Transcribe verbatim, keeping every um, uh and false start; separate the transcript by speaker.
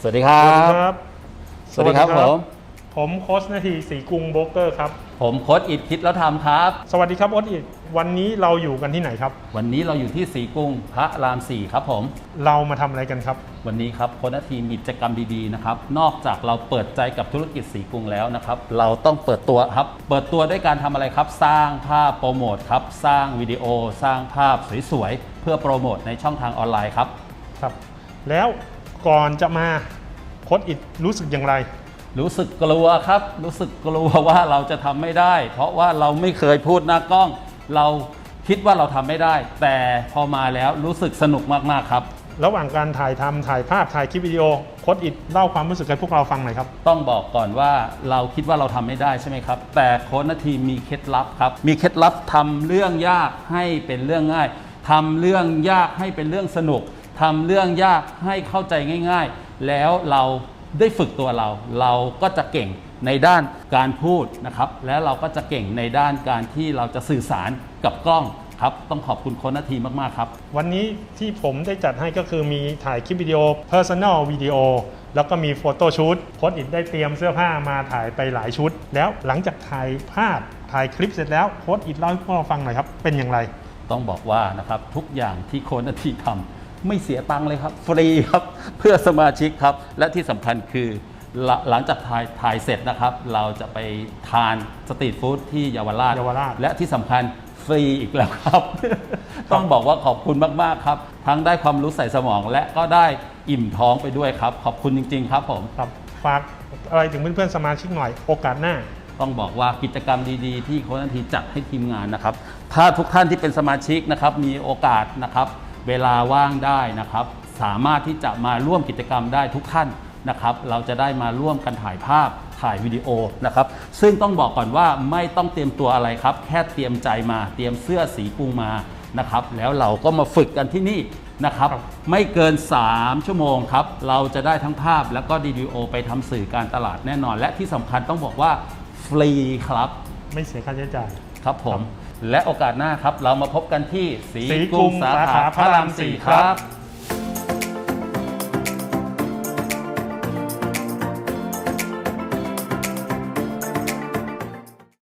Speaker 1: สวัสดีครับสวัสดีครับผม
Speaker 2: ผมโค้ชนาทีศรีกรุงโบรกเกอร์ครับ
Speaker 1: ผมโค้ชอิทคิดแล้วทำครับ
Speaker 2: สวัสดีครับโค้ชอิทวันนี้เราอยู่กันที่ไหนครับ
Speaker 1: วันนี้เราอยู่ที่ศรีกรุงพระรามสี่ครับผม
Speaker 2: เรามาทำอะไรกันครับ
Speaker 1: วันนี้ครับโค้ชนาทีมีกิจกรรมดีๆนะครับนอกจากเราเปิดใจกับธุรกิจศรีกรุงแล้วนะครับเราต้องเปิดตัวครับเปิดตัวด้วยการทำอะไรครับสร้างภาพโปรโมทครับสร้างวิดีโอสร้างภาพสวยๆเพื่อโปรโมทในช่องทางออนไลน์ครับ
Speaker 2: ครับแล้วก่อนจะมาโค้ชอิทรู้สึกอย่างไร
Speaker 1: รู้สึกกลัวครับรู้สึกกลัวว่าเราจะทำไม่ได้เพราะว่าเราไม่เคยพูดหน้ากล้องเราคิดว่าเราทำไม่ได้แต่พอมาแล้วรู้สึกสนุกมากๆครับ
Speaker 2: ระหว่างการถ่ายทำถ่ายภาพถ่ายคลิปวิดีโอโค้ชอิทเล่าความรู้สึกให้พวกเราฟังหน่อยครับ
Speaker 1: ต้องบอกก่อนว่าเราคิดว่าเราทำไม่ได้ใช่ไหมครับแต่โค้ชนาทีมีเคล็ดลับครับมีเคล็ดลับทำเรื่องยากให้เป็นเรื่องง่ายทำเรื่องยากให้เป็นเรื่องสนุกทำเรื่องยากให้เข้าใจง่ายๆแล้วเราได้ฝึกตัวเราเราก็จะเก่งในด้านการพูดนะครับและเราก็จะเก่งในด้านการที่เราจะสื่อสารกับกล้องครับต้องขอบคุณโค้ชนาทีมากๆครับ
Speaker 2: วันนี้ที่ผมได้จัดให้ก็คือมีถ่ายคลิปวิดีโอ Personal Video แล้วก็มีโฟโต้ชูตโค้ชอิทได้เตรียมเสื้อผ้ามาถ่ายไปหลายชุดแล้วหลังจากถ่ายภาพถ่ายคลิปเสร็จแล้วโค้ชอิทเล่าให้พวกเราฟังหน่อยครับเป็นอย่างไร
Speaker 1: ต้องบอกว่านะครับทุกอย่างที่โค้ชนาทีทำไม่เสียตังค์เลยครับฟรีครับเพื่อสมาชิกครับและที่สำคัญคือหลังจากถ่ายถ่ายเสร็จนะครับเราจะไปทานสตรีทฟู้ดที่เยาวราชและที่สำคัญฟรีอีกแล้วครับ ต้องบอกว่าขอบคุณมากๆครับทั้งได้ความรู้ใส่สมองและก็ได้อิ่มท้องไปด้วยครับขอบคุณจริงๆครับผม
Speaker 2: ครับฝากอะไรถึงเพื่อนๆสมาชิกหน่อยโอกาสหน้า
Speaker 1: ต้องบอกว่ากิจกรรมดีๆที่โค้ชนาทีจัดให้ทีมงานนะครับถ้าทุกท่านที่เป็นสมาชิกนะครับมีโอกาสนะครับเวลาว่างได้นะครับสามารถที่จะมาร่วมกิจกรรมได้ทุกท่านนะครับเราจะได้มาร่วมกันถ่ายภาพถ่ายวิดีโอนะครับซึ่งต้องบอกก่อนว่าไม่ต้องเตรียมตัวอะไรครับแค่เตรียมใจมาเตรียมเสื้อสีกรุงมานะครับแล้วเราก็มาฝึกกันที่นี่นะครับไม่เกินสามชั่วโมงครับเราจะได้ทั้งภาพแล้วก็วิดีโอไปทำสื่อการตลาดแน่นอนและที่สำคัญต้องบอกว่าฟรีครับ
Speaker 2: ไม่เสียค่าใช้จ่าย
Speaker 1: ครับผมและโอกาสหน้าครับเรามาพบกันที่ศรีกรุงสาขาพระรามสี่ครับ